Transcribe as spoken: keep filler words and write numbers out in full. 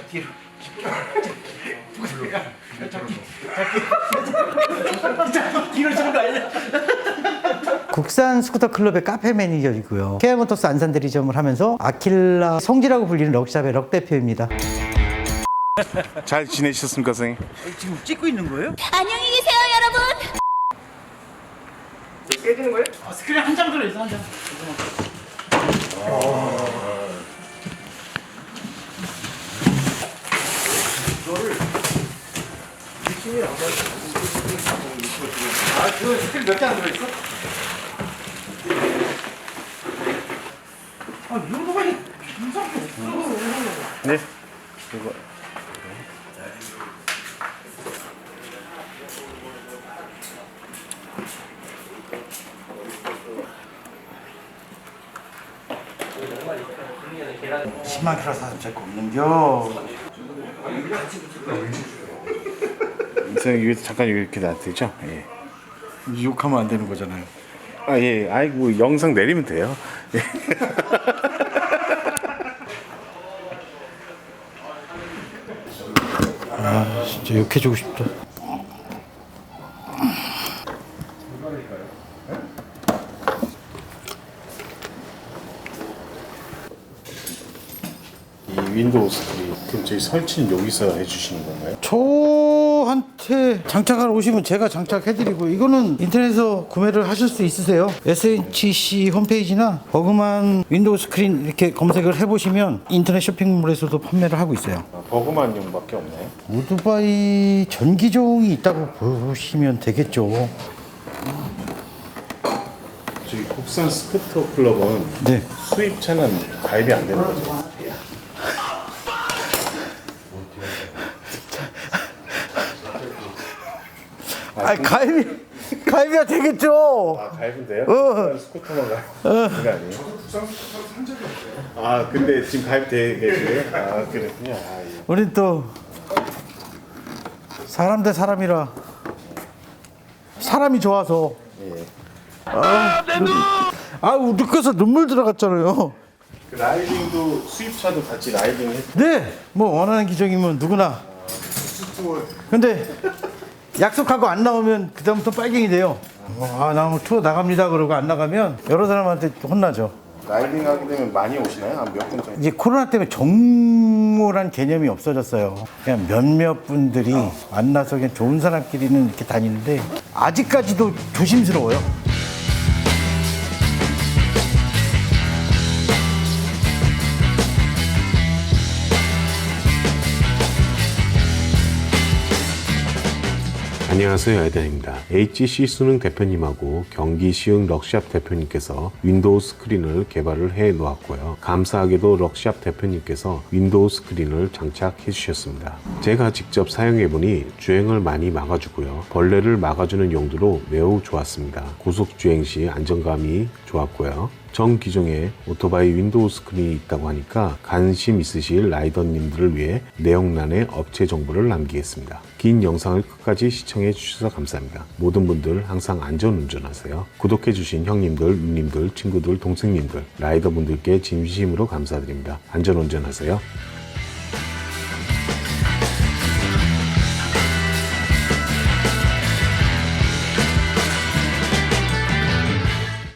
뒤로. 뒤로 주는 거 아니야? 국산 스쿠터 클럽의 카페 매니저이고요. 케아모터스 안산 대리점을 하면서 아킬라 성지라고 불리는 럭샵의 럭 대표입니다. 잘 지내셨습니까, 선생님? 지금 찍고 있는 거예요? 안녕히 계세요, 여러분. 깨지는 거예요? 아, 스크린 한 장 들어있어, 한 장. 이거를 미친이 안 맞아. 아, 그 스크린 몇 장 들어있어? 아, 이 정도만 이상도 없어. 네. 이거. 십만 킬로 사서 제거 없는겨. 선생님 여기 잠깐 이렇게 놔두죠? 예. 욕하면 안 되는 거잖아요. 아 예. 아이고 영상 내리면 돼요. 예. 아, 진짜 욕해주고 싶다. 이 윈도우 스크린 그럼 저희 설치는 여기서 해주시는 건가요? 저한테 장착하러 오시면 제가 장착해드리고, 이거는 인터넷에서 구매를 하실 수 있으세요. 에스엔티씨 홈페이지나 버그만 윈도우 스크린 이렇게 검색을 해보시면 인터넷 쇼핑몰에서도 판매를 하고 있어요. 아, 버그만 용밖에 없나요? 오토바이 전기종이 있다고 보시면 되겠죠. 저희 국산 스쿠터 클럽은 네. 수입차는 가입이 안 되는 거죠? 아, 가입이 가입이야 되겠죠. 아 가입은 돼요? 어. 국산 스쿠터만 가입? 어. 그게 아니에요? 저도 국산 스쿠터 산 적이 없어요. 아 근데 지금 가입돼 계세요? 아 그랬군요. 아, 예. 우린 또 사람 대 사람이라 사람이 좋아서. 예. 아, 아 느껴서 눈물 들어갔잖아요. 그 라이딩도 수입차도 같이 라이딩 했. 네, 뭐 원하는 기종이면 누구나. 근데 약속하고 안 나오면 그다음부터 빨갱이 돼요. 아, 나 오늘 투어 나갑니다 그러고 안 나가면 여러 사람한테 혼나죠. 라이딩 하게 되면 많이 오시나요? 한 몇 분 정도? 이제 코로나 때문에 정모란 개념이 없어졌어요. 그냥 몇몇 분들이 만나서 그냥 좋은 사람끼리는 이렇게 다니는데 아직까지도 조심스러워요. 안녕하세요, 에덴입니다. 에이치씨 수능 대표님하고 경기 시흥 럭샵 대표님께서 윈도우 스크린을 개발을 해 놓았고요. 감사하게도 럭샵 대표님께서 윈도우 스크린을 장착해 주셨습니다. 제가 직접 사용해 보니 주행을 많이 막아주고요. 벌레를 막아주는 용도로 매우 좋았습니다. 고속 주행 시 안정감이 좋았고요. 전 기종에 오토바이 윈도우 스크린이 있다고 하니까 관심 있으실 라이더님들을 위해 내용란에 업체 정보를 남기겠습니다. 긴 영상을 끝까지 시청해 주셔서 감사합니다. 모든 분들 항상 안전 운전하세요. 구독해 주신 형님들, 누님들, 친구들, 동생님들, 라이더분들께 진심으로 감사드립니다. 안전 운전하세요.